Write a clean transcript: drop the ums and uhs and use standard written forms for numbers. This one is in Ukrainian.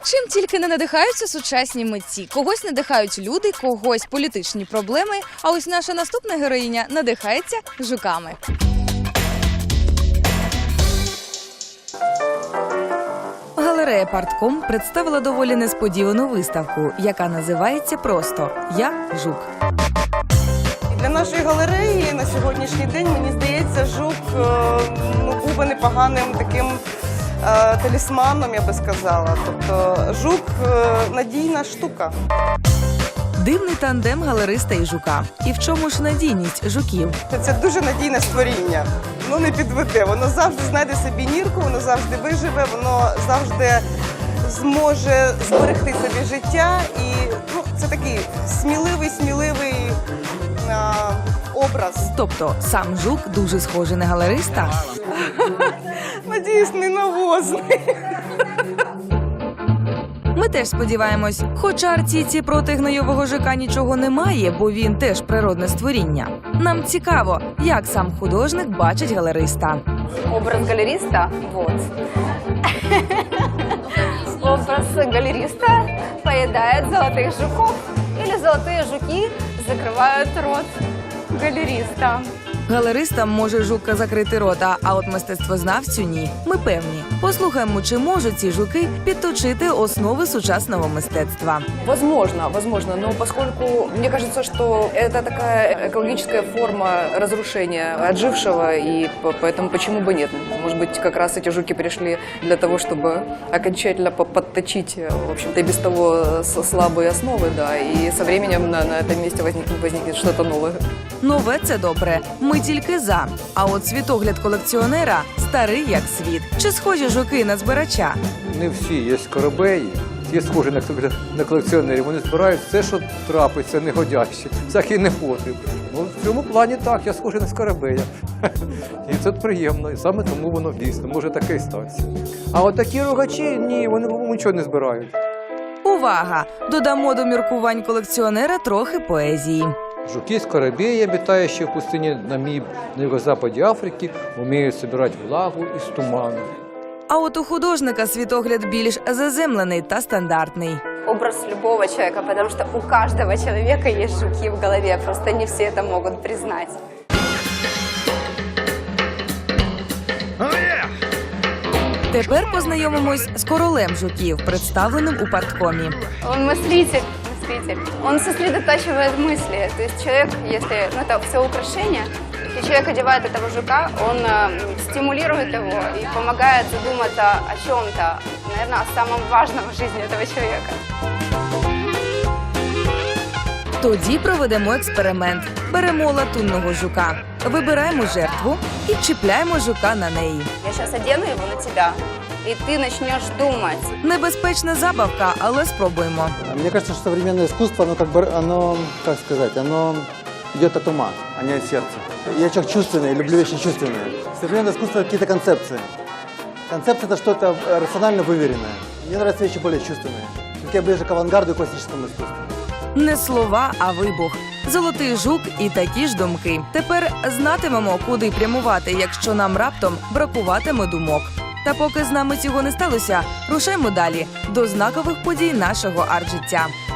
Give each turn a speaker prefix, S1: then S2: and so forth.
S1: Чим тільки не надихаються сучасні митці. Когось надихають люди, когось політичні проблеми, а ось наша наступна героїня надихається жуками. Галерея «Партком» представила доволі несподівану виставку, яка називається просто «Я жук».
S2: Для нашої галереї на сьогоднішній день, мені здається, жук був би непоганим таким талісманом, я би сказала. Тобто жук – надійна штука.
S1: Дивний тандем галериста і жука. І в чому ж надійність жуків?
S2: Це дуже надійне створіння. Воно не підведе, воно завжди знайде собі нірку, воно завжди виживе, воно завжди зможе зберегти собі життя. І це такий сміливий образ.
S1: Тобто сам жук дуже схожий на галериста?
S2: Надіюсь, не навозний.
S1: Ми теж сподіваємось, хоча артійці проти гнойового жука нічого немає, бо він теж природне створіння. Нам цікаво, як сам художник бачить галериста.
S3: Образ галериста – вот. Образ галериста поедает золотых жуков. Или золотые жуки закрывают рот галериста.
S1: Галеристам може жука закрити рота, а от мистецтвознавцю – ні. Ми певні. Послухаємо, чи можуть ці жуки підточити основи сучасного мистецтва.
S4: Возможно, но поскольку мне кажется, что это такая экологическая форма разрушения отжившего, и поэтому почему бы нет? Может быть, как раз эти жуки пришли для того, чтобы окончательно подточить, в общем-то, и без того слабые основы, да, и со временем на этом месте возникнет что-то новое.
S1: Нове – це добре. Ми тільки за. А от світогляд колекціонера старий як світ. Чи схожі жуки на збирача?
S5: Не всі є скоробеї, є схожі на колекціонерів. Вони збирають все, що трапиться, негодяще, всякий непотріб. В цьому плані так, я схожий на скоробея. І це приємно, і саме тому воно дійсно може таке і статися. А от такі рогачі, ні, вони нічого не збирають.
S1: Увага! Додамо до міркувань колекціонера трохи поезії.
S5: Жуки-скоробеи, обитающие в пустыне Намиб на юго-западе Африки, умеют собирать влагу из тумана.
S1: А от у художника світогляд більш заземлений та стандартний.
S3: Образ любого человека, потому что у каждого человека есть жуки в голове, просто не все это могут признать.
S1: Тепер познайомимось з королем жуків, представленим у парткомі.
S3: Он мыслитель. Он сосредотачивает мысли. То есть человек, если это все украшение, если человек одевает этого жука, он стимулирует его и помогает задуматься о чем-то, наверное, о самом важном в жизни этого человека.
S1: Тоді проведемо експеримент. Беремо латунного жука, вибираємо жертву і чіпляємо жука на неї.
S3: Я сейчас одену его на тебя, и ты начнешь думать.
S1: Небезпечна забавка, але спробуємо.
S6: Мне кажется, что современное искусство, оно идет от ума, а не от сердца. Я человек чувственный, люблю вещи чувственные. Современное искусство – какие-то концепции. Концепция – это что-то рационально выверенное. Мне нравятся вещи более чувственные. Я ближе к авангарду и классическому искусству.
S1: Не слова, а вибух. Золотий жук і такі ж думки. Тепер знатимемо, куди прямувати, якщо нам раптом бракуватиме думок. Та поки з нами цього не сталося, рушаймо далі до знакових подій нашого арт-життя.